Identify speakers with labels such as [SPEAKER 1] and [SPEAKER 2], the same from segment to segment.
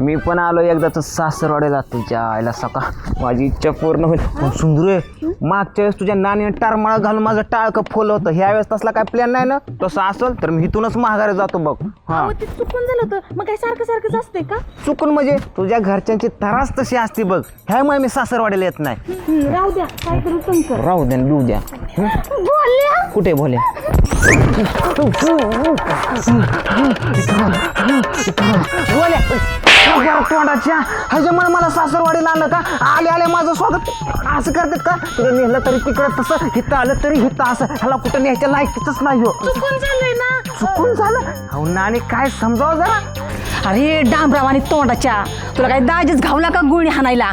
[SPEAKER 1] मी पण आलो एकदाच सासरवाड्याला तुझ्या आईला सका माझी इच्छा पूर्ण होईल. सुंदर मागच्या वेळेस तुझ्या नानीने टारमाळा घालून माझं टाळकं फोलं होतं. ह्या वेळेस तसला काय प्लॅन नाही ना. तसं असेल तर मी इथूनच माघारी जातो बघ. हा
[SPEAKER 2] ते चुकून झालं होतं. मग काय सारखं सारखंच असतंय का?
[SPEAKER 1] चुकून म्हणजे तुझ्या घरच्यांची तरास तशी असते बघ. ह्यामुळे मी सासरवाड्याला येत नाही.
[SPEAKER 2] राहू द्या, काय करू तुमचं.
[SPEAKER 1] राहू द्या बिऊ द्या.
[SPEAKER 2] बोलल्या
[SPEAKER 1] कुठे बोले तोंडाच्या ह्याच्यामुळे मला सासरवाडीला आणलं का. आले आले माझं स्वागत असं करतात का. तुला नेलं तरी तिकडं तसं, हिथं आलं तरी हिथं असं. ह्याला कुठं न्यायच्या लायकीच नाही हो.
[SPEAKER 2] चुकून झालंय ना.
[SPEAKER 1] चुकून झालं अहो नानी काय समजावं जरा.
[SPEAKER 2] अरे डांबराव आणि तोंडाच्या तुला काय दाजीच घावला का गुळणी हाणायला.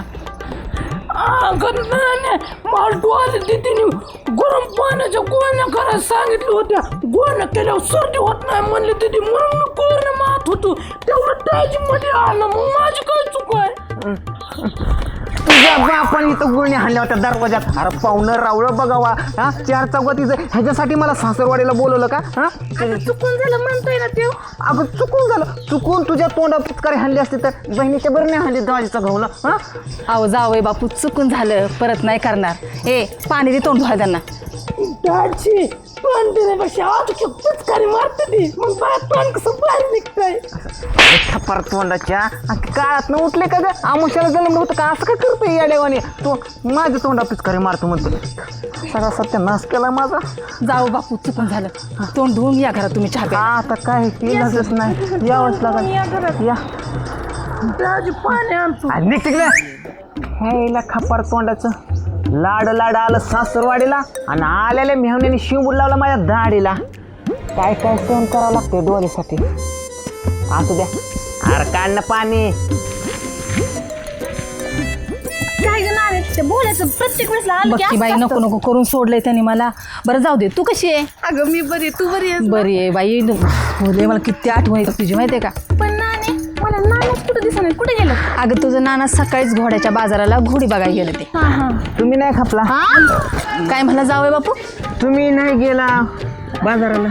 [SPEAKER 3] तिने गरम पाण्याच्या गोळ्या करायला सांगितल्या होत्या. गोळ्या केल्यावर सर्दी होत नाही म्हणले तिथे म्हणून मी गोळ्या मारत होतो. तेवढं दाजी मध्ये आलं. मग माझी काय चूक आहे.
[SPEAKER 1] तुझ्या बापाने इथं गुळणी हाणल्या होत्या दरवाजात. अरे पाहुणं रावळं बघावा. हा 4 चौघातीचं ह्याच्यासाठी मला सासरवाडीला बोलवलं का. हा
[SPEAKER 2] चुकून झालं म्हणतोय ना ते.
[SPEAKER 1] अगं चुकून झालं. चुकून तुझ्या तोंडा पिचकारी हाणली असते तर बहिणीच्या बरं नाही हाणली दाजीचा घावला. हा
[SPEAKER 2] अहो जावय बापू चुकून झालं, परत नाही करणार. ए पाणी दे तोंड धुवायला त्यांना.
[SPEAKER 3] दाजी पण देण्यापेक्षा आज पिचकारी मारते ती. मग बाहेर तोंड कसं बाहेर निघतंय.
[SPEAKER 1] थप्पार तोंडाच्या काळात न उठले का ग. आमुष्याला जन्म होतं का. असं काय करतोय या देवाने. तो माझ्या तोंडा पिचकारी मारतो म्हणतो. सगळा सत्यानाश केला माझा.
[SPEAKER 2] जाऊ बापू चुकून झालं. तोंड धुवून या घरात तुम्ही चहा प्यायला.
[SPEAKER 1] आता काय केलंच नाही. यावंच लागल. या
[SPEAKER 3] दाजी पाणी आणतो.
[SPEAKER 1] निघ तिकडे. ह्याला खपार तोंडाचं लाड लाड आलं सासरवाडीला आणि आलेल्या मेहण्याने शिवबूड लावला माझ्या दाढीला. काय काय सहन करावं लागतंय डोळ्यासाठी. असू द्या. अरे काढणं पाणी.
[SPEAKER 2] काय ते बोलायचं प्रत्येक वेळेस बघ बाई नको नको करून सोडलंय त्यांनी मला. बरं जाऊ दे. तू कशी आहे.
[SPEAKER 3] अगं मी बरी, तू बरी आहे.
[SPEAKER 2] बरी आहे बाई. बोलले मला किती आठवण येतं तुझी माहिती आहे का. पण नानी मला नानाच कुठं दिसत नाही. कुठे गेलं. अगं तुझं नाना सकाळीच घोड्याच्या बाजाराला घोडी बघायला गेले ते.
[SPEAKER 1] तुम्ही नाही खपला.
[SPEAKER 2] काय म्हणला जावय बापू.
[SPEAKER 1] तुम्ही नाही गेला बाजाराला.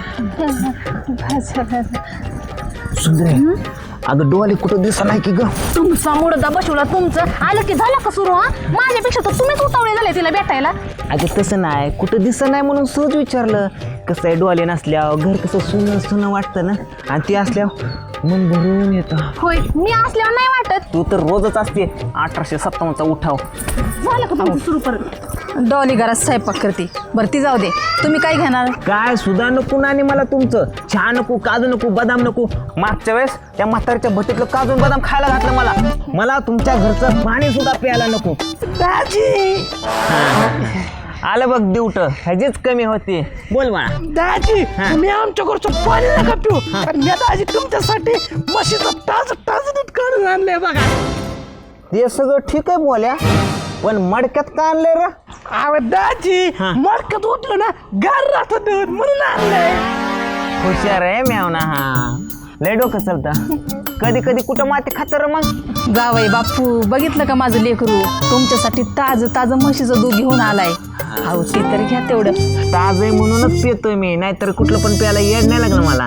[SPEAKER 1] सुंदर अगं डोळे कुठं दिसत नाही की ग.
[SPEAKER 2] तुमचा मुडदा बसवला. तुमचं आलं की झालं का सुरू. हा माझ्यापेक्षा तर तुम्हीच उतावळे झाले तिला भेटायला.
[SPEAKER 1] अगं तसं नाही. कुठं दिसत नाही म्हणून सहज विचारलं. कसं आहे डोळे नसल्यावर घर कसं सुनं सुनं वाटतं ना. आणि ते असल्यावर मन भरून येतं.
[SPEAKER 2] होय मी असल्यावर नाही वाटत.
[SPEAKER 1] तू तर रोजच असते 1857चा उठाव.
[SPEAKER 2] झालं का तुमचं सुरू परत. डॉली घरात स्वयंपाक करते. बरं ती जाऊ दे. तुम्ही काय घेणार.
[SPEAKER 1] काय सुद्धा नको नानी मला तुमचं. चहा नको, काजू नको, बदाम नको. मागच्या वेळेस त्या म्हातारीच्या भट्टीतलं काजू बदाम खायला घातलं मला. मला तुमच्या घरचं पाणी सुद्धा प्यायला नको.
[SPEAKER 3] दाजी
[SPEAKER 1] आलं बघ दिवट ह्याचीच कमी होती. बोल मला.
[SPEAKER 3] दाजी तुम्ही आमच्याकडचं पाणी नका पिऊ. कारण या दाजी तुमच्यासाठी म्हशीचं ताजं दूध काढून आणलंय बघा.
[SPEAKER 1] ते सगळं ठीक आहे बोल्या पण मडक्यात का आणलंय रे.
[SPEAKER 3] अहो दाजी मडक्यात उठलं ना गार राहत दूध म्हणून आणलंय.
[SPEAKER 1] हुशार आहे मेवना. हा लय डोकं चालतं. कधी कधी कुठं माती खात र मग.
[SPEAKER 2] जावई बापू बघितलं का माझं लेकरू तुमच्यासाठी ताजं म्हशीचं दूध घेऊन आलाय. अहो ते तरी घ्या तेवढं.
[SPEAKER 1] ताज आहे म्हणूनच पितोय मी. नाहीतर कुठलं पण प्यायला येड नाही लागलं मला.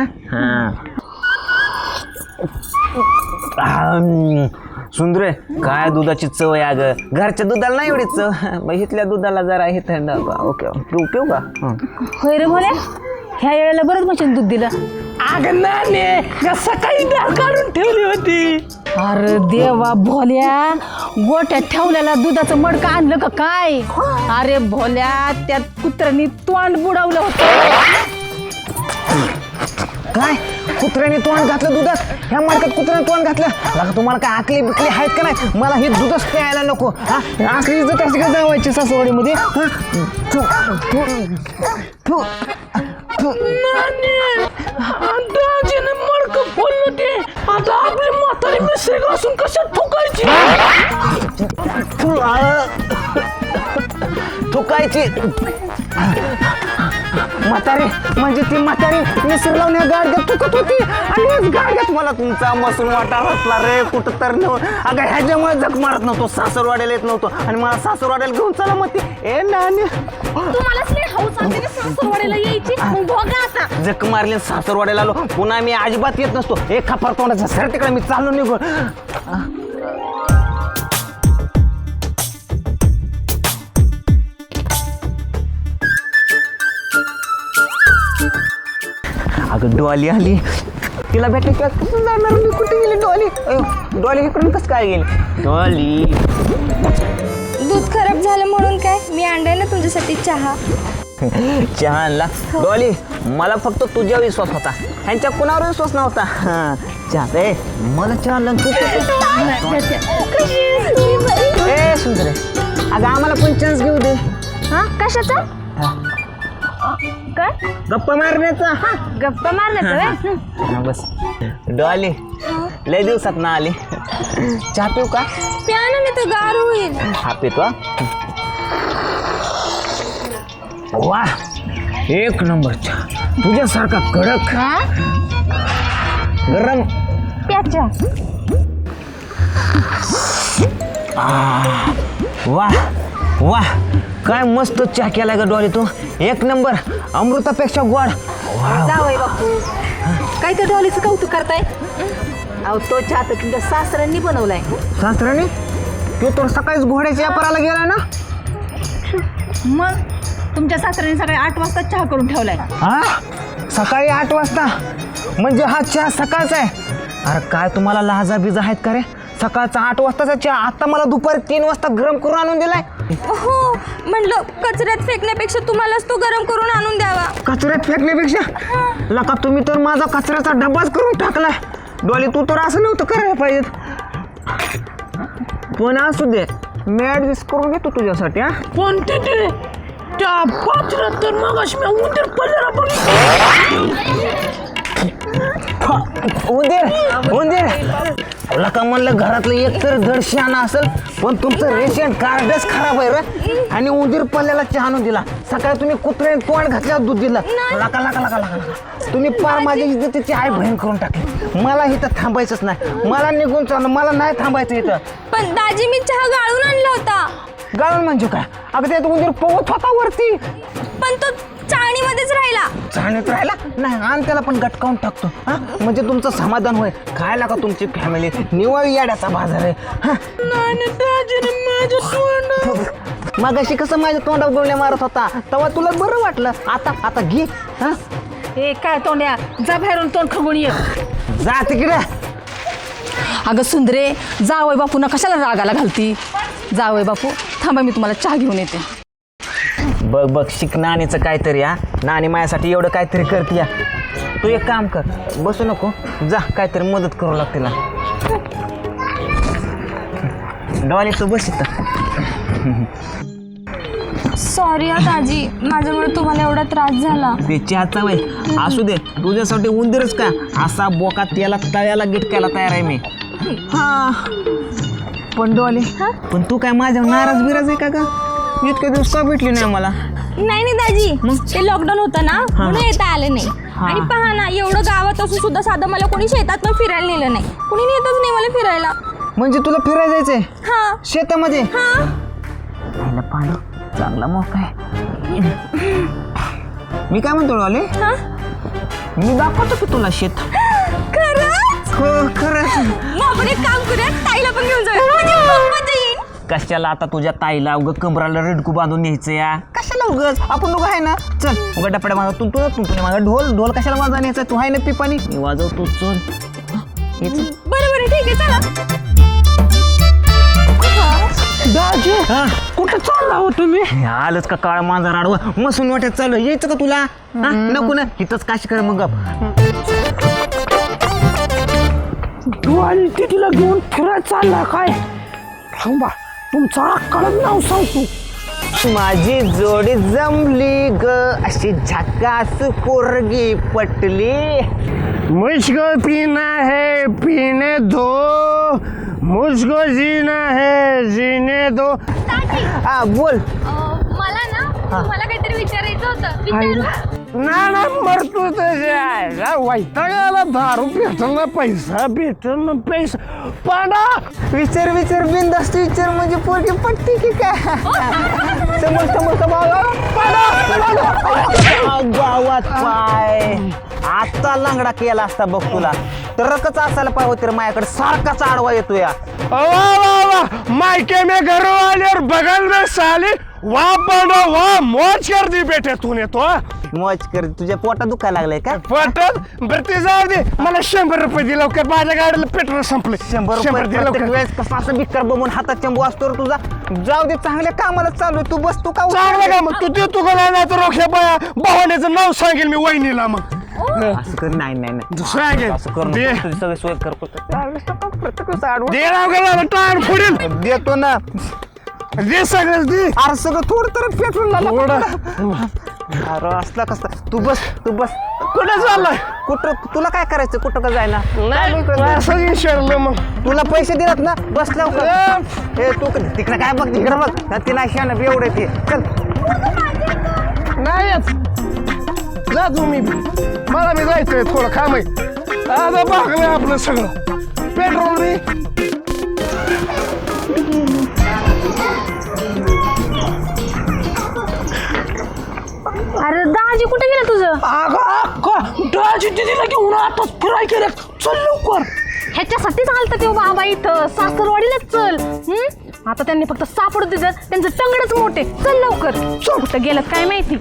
[SPEAKER 1] सुंदर काय दुधाची चव आहे. अगं घरच्या दुधाला नाही एवढी चव. इथल्या दुधाला जरा हे थंड. ओके पिऊ का.
[SPEAKER 2] होय रे भोल्या. ह्या वेळेला बरंच म्हशीचं दूध दिलं.
[SPEAKER 3] अगं नाने सकाळी डाळ काढून ठेवली होती.
[SPEAKER 2] अरे देवा भोल्या गोट्यात ठेवलेला दुधाचं मडकं आणलं का काय. अरे भोल्या त्यात कुत्र्यानी तोंड बुडवलं होतं.
[SPEAKER 1] काय कुत्र्याने तोंड घातलं दुधात. ह्या मार्कात कुत्र्याने तोंड घातलं. बघा तुम्हाला काय आकली बिकली आहेत का नाही. मला हे दूधच प्यायला नको. आकली इज्जत अशी का जावायची सासवडीमध्ये.
[SPEAKER 3] दाजीने मडकं फोडलं ते. आता आपली म्हातारी मिसळी घासून कशात ठोकायची.
[SPEAKER 1] थुकायची. म्हातारी म्हणजे ती म्हातारी मिसर लावून या गाडग्यात चुकत होती आणि याच गाडग्यात मला तुमचा मसून वाटा रचला रे कुठं तर अगं ह्याच्यामुळे जग मारत नव्हतो सासरवाड्याला येत नव्हतो आणि मला सासरवाड्याला घेऊन चला मग ए नानी
[SPEAKER 2] तुम्हालाच लय हौस असते ना सासरवाडीला यायची मग बघा आता
[SPEAKER 1] जग मारले सासरवाड्याला आलो पुन्हा मी अजिबात येत नसतो एक खापर तोंडाचा सर तिकडे मी चाललो निघून अगं डॉली आली तिला भेटले किंवा कसं जाणार मी कुठे गेली डॉली डॉली इकडून कसं काय गेली डॉली
[SPEAKER 4] दूध खराब झालं म्हणून काय मी आणलाय ना तुमच्यासाठी चहा
[SPEAKER 1] चहा आणला डॉली मला फक्त तुझ्यावर विश्वास होता ह्यांच्या कुणावर विश्वास नव्हता चहा ए मला चहा आणला ए सुंदर अगं आम्हाला पण चान्स घेऊ दे
[SPEAKER 4] हा कशाचा काय
[SPEAKER 1] गप्पा मारण्याचा
[SPEAKER 4] गप्पा मारण्याचा
[SPEAKER 1] बस डॉली लय दिवसात ना आली चहा पिऊ का
[SPEAKER 4] प्यानं तर गार होईल
[SPEAKER 1] हा पितो वा एक नंबर चहा तुझ्यासारखा कडक गरम
[SPEAKER 4] प्याच्या
[SPEAKER 1] वा वा काय मस्त चहा केलाय का डॉली तू एक नंबर अमृतापेक्षा गोड
[SPEAKER 2] जावई बापू काय तर डॉलीचं कौतुक करताय अहो तो चहा तर तुमच्या सासऱ्यांनी बनवलाय
[SPEAKER 1] सासऱ्याने तू तर सकाळीच घोड्याच्या व्यापाराला गेला ना
[SPEAKER 2] मग तुमच्या सासऱ्यांनी सकाळी 8 वाजता चहा करून ठेवलाय
[SPEAKER 1] हा सकाळी 8 वाजता म्हणजे हा चहा सकाळचा आहे अरे काय तुम्हाला लहाजा बिजा आहेत का रे सकाळचा 8 वाजताचा चहा आता मला दुपारी 3 वाजता गरम करून आणून दिलाय
[SPEAKER 4] हो म्हणलं कचऱ्यात फेकण्यापेक्षा तुम्हालाच तो गरम करून आणून द्यावा
[SPEAKER 1] कचऱ्यात फेकण्यापेक्षा लका तुम्ही तर माझा कचऱ्याचा डब्बाच करून टाकलाय डॉली तू तर असं नव्हतं करायला पाहिजे पण असू दे मी ऍडजस्ट करून घेतो तुझ्यासाठी हा
[SPEAKER 3] पण तिथे त्या पात्रात तर मग मी उंदीर पडलेला बघितलं
[SPEAKER 1] उंदीर तुला का म्हणलं घरातलं एक तर धड शहाणा असेल पण तुमचं रेशन कार्डच खराब आहे रे आणि उंदीर पल्ल्याला चहा आणून दिला सकाळी तुम्ही कुत्र्याने तोंड घातल्यावर दूध दिलं लका लका लका लका तुम्ही पार माझ्या इज्जतीची आई बहीण करून टाकली मला इथं थांबायचंच नाही मला निघून चाललं मला नाही थांबायचं इथं
[SPEAKER 4] पण दाजी मी चहा गाळून आणला होता
[SPEAKER 1] गाळून म्हणजे काय अगं त्यात उंदीर पोहत होता वरती
[SPEAKER 4] पण तो चाळणीमध्येच राहिला
[SPEAKER 1] चाळणीत राहिला नाही आणि त्याला पण गटकावून टाकतो हा म्हणजे तुमचं समाधान होईल काय लागा तुमची फॅमिली निवळ याड्याचा बाजार आहे हा मग अशी कसं माझ्या तोंडावर गोळण्या मारत होता तेव्हा तुला बरं वाटलं आता आता घे हा
[SPEAKER 2] हे काय तोंड्या जा बाहेरून तोंड खगून ये
[SPEAKER 1] जा तिकडे
[SPEAKER 2] अगं सुंदरे जावई बापूंना कशाला रागाला घालती जावई बापू थांबा मी तुम्हाला चहा घेऊन येते
[SPEAKER 1] बघ बघ शिक नानीचं काहीतरी हा नानी माझ्यासाठी एवढं काहीतरी करते या तू एक काम कर बसू नको जा काहीतरी मदत करू लागते तिला डॉली तू बस इथं
[SPEAKER 4] सॉरी दाजी माझ्यामुळे तुम्हाला एवढा त्रास झाला
[SPEAKER 1] ते चहाचा वय असू दे तुझ्यासाठी उंदीरच का असा बोका त्याला तळ्याला गिटकायला तयार आहे मी हा पण डॉली पण तू काय माझ्या नाराज बिराज आहे का इतके दिवस का भेटली नाही मला
[SPEAKER 4] नाही दाजी ते लॉकडाऊन होतं ना म्हणून येता आले नाही आणि पहा ना एवढं गावात असून सुद्धा साधं मला कोणी शेतात पण फिरायला नेलं नाही कोणी नेतच नाही मला फिरायला
[SPEAKER 1] म्हणजे तुला फिरायला जायचंय
[SPEAKER 4] हा
[SPEAKER 1] शेतामध्ये
[SPEAKER 4] हा
[SPEAKER 1] पांडू चांगला मोका आहे मी काय म्हणतो डॉली
[SPEAKER 4] हा
[SPEAKER 1] मी दाखवतो की तुला शेत
[SPEAKER 4] खरंच
[SPEAKER 1] हो खरंच
[SPEAKER 4] मग आपण एक काम करूया ताईला पण घेऊन जाऊया म्हणजे खूप मजा येईल
[SPEAKER 1] कशाला आता तुझ्या ताईला उगं कमराला रडकू बांधून न्यायचं या कशाला उगच आपण लोक आहे ना चल उगा डपड्या माझा तुंतून माझा ढोल कशाला वाजवा न्यायचा तू आहे ना पिपाणी मी वाजवतो चल
[SPEAKER 4] बरं ठीक आहे चला
[SPEAKER 3] दाजी कुठं चालला हो तुम्ही
[SPEAKER 1] आलंच का काळ माझा राडवा मसून वाट्यात चालू यायचं का तुला हा नको ना इथंच काशी कर मग
[SPEAKER 3] तू आणि तिला घेऊन फिरायला चालला काय थांबा तुमचं अक्कलच नाव सांगतो
[SPEAKER 1] माझी जोडी जमली ग अशी झकास पोरगी पटली
[SPEAKER 3] मुझको पीना है पीने दो मुझको जीना है जीने दो
[SPEAKER 1] हा बोल
[SPEAKER 4] मला ना तुम्हाला काहीतरी विचारायचं होतं
[SPEAKER 3] ना मरतो त्याच्या वैतागाला दारू भेटल ना पैसा भेटल ना पैसा पाडा
[SPEAKER 1] विचार बिंदास्त विचार म्हणजे पोरगी पटते की काय समोर गावात पाय आता लंगडा केला असता बघ तुला ट्रकच असायला पाहिजे होते रे माझ्याकडे सारखाच आडवा येतो या
[SPEAKER 3] वाह मायके में घर वाले और बगल में साले वाह पाडा वाह मौज कर दी बेटे तूने तो
[SPEAKER 1] मौज कर तुझ्या पोटात दुखायला लागलंय का
[SPEAKER 3] पटत बरं जाऊ दे मला 100 रुपये दिला लवकर माझ्या गाडीला पेट्रोल संपले
[SPEAKER 1] 100
[SPEAKER 3] दे
[SPEAKER 1] रुपये
[SPEAKER 3] लवकर.
[SPEAKER 1] प्रत्येक वेळेस कसा असं बिक्कर बघून हातात चंबू असतो रे तुझा जाऊ दे चांगल्या कामाला चालू आहे. तू बस तू का
[SPEAKER 3] चांगलं का मग तू देतो का नाही तर रोख्या बाया भावाण्याचं नाव सांगेल मी वहिनीला मग
[SPEAKER 1] असं कर नाही
[SPEAKER 3] सांगेल
[SPEAKER 1] असं कर
[SPEAKER 3] दे
[SPEAKER 1] नको. तुझी सगळी सोय कर प्रत्येक वेळेस आडवं.
[SPEAKER 3] दे राव गेला टायर फोडील
[SPEAKER 1] देतो ना
[SPEAKER 3] दे सगळं दे
[SPEAKER 1] अरे सगळं थोडं तर पेट्रोल
[SPEAKER 3] थोडं.
[SPEAKER 1] अरे असला कसला तू बस
[SPEAKER 3] कुठे चाललाय
[SPEAKER 1] कुठं तुला काय करायचं कुठं का जायला
[SPEAKER 3] असं विचारलं मग
[SPEAKER 1] तुला पैसे दिलात ना बस लवकर ए तू तिकडे काय बघ तिकडे बघ ती नाही शान एवढे ते चल
[SPEAKER 3] नाही येत. जा तुम्ही मला बी जायचंय थोडं काम आहे आता बघलंय आपलं सगळं पेट्रोल बी
[SPEAKER 2] अरे दाजी कुठे गेलं तुझं
[SPEAKER 3] दाजी दिदीला घेऊन आताच फिराय केलं चल लवकर
[SPEAKER 2] ह्याच्यासाठीच आलता ते बाबा इथं सासरवाडीलाच चल आता त्यांनी फक्त सापडू दिलं त्यांचं टंगडच मोठे चल लवकर कुठं गेलं काय माहिती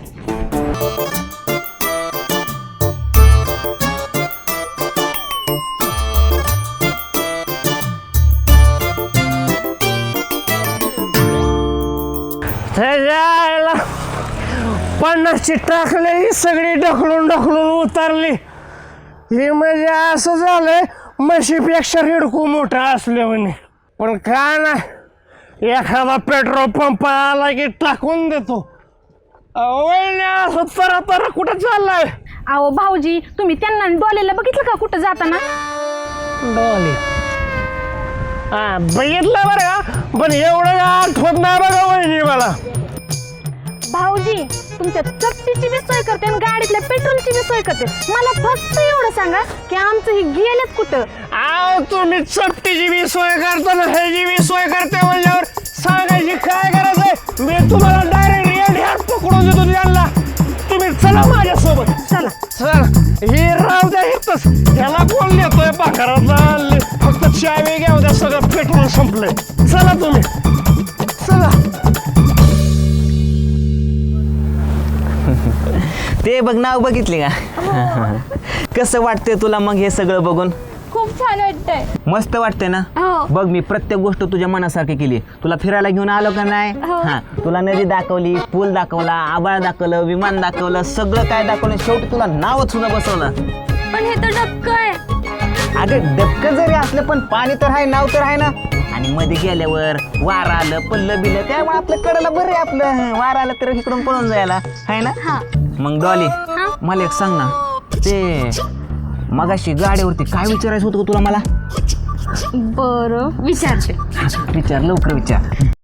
[SPEAKER 3] त्याला 50ची टाकले सगळी ढकलून उतरली हे म्हणजे असं झालंय म्हशीपेक्षा रेडकू मोठा असले म्हणे पण काय ना एखादा पेट्रोल पंप आला की टाकून देतो असं तर कुठं चाललाय
[SPEAKER 2] अहो भाऊजी तुम्ही त्यांना डोलेला बघितलं का कुठं जाताना
[SPEAKER 3] डॉली हा बघितलं बरं का पण एवढं आठवत नाही बघा वहिनी मला
[SPEAKER 2] भाऊजी तुमच्या चपटीची बी सोय करते आणि गाडीतल्या पेट्रोलची बी सोय करते मला फक्त एवढं सांगा की आमचं ही गेलेच कुठं
[SPEAKER 3] आव तुम्ही चपटीची बी सोय करता ना ह्याची बी सोय करते म्हणल्यावर सांगायची काय गरज आहे मी तुम्हाला डायरेक्ट रेड हॅट पकडून देतो त्यांना तुम्ही चला माझ्यासोबत चला हे राव द्या इथंच ह्याला कोण देतोय पाखराचा फक्त चावी घ्या उद्या सगळं पेट्रोल संपलंय चला तुम्ही चला
[SPEAKER 1] ते बघ नाव बघितले का कसं वाटतंय तुला मग हे सगळं बघून
[SPEAKER 4] खूप छान वाटतंय
[SPEAKER 1] मस्त वाटतंय ना
[SPEAKER 4] हो.
[SPEAKER 1] बघ मी प्रत्येक गोष्ट तुझ्या मनासारखी केली तुला फिरायला घेऊन आलो का नाही
[SPEAKER 4] हो.
[SPEAKER 1] हा तुला नदी दाखवली पूल दाखवला आबाळ दाखवलं विमान दाखवलं सगळं काय दाखवलं शेवटी तुला नावच सुद्धा बसवलं
[SPEAKER 4] पण हे तर डबकं आहे
[SPEAKER 1] अगं डबकं जरी असलं पण पाणी तर आहे नाव तर आहे ना आणि मध्ये गेल्यावर वार आलं पल्लं बिलं त्यामुळे आपलं कडेला बरं आहे आपलं वार आलं तर इकडून पळून जायला आहे ना
[SPEAKER 4] हा
[SPEAKER 1] मग डॉली मला एक सांग ना ते मगाशी गाडीवरती काय विचारायचं होतं का तुला मला
[SPEAKER 4] बरं विचारते
[SPEAKER 1] विचार लवकर विचार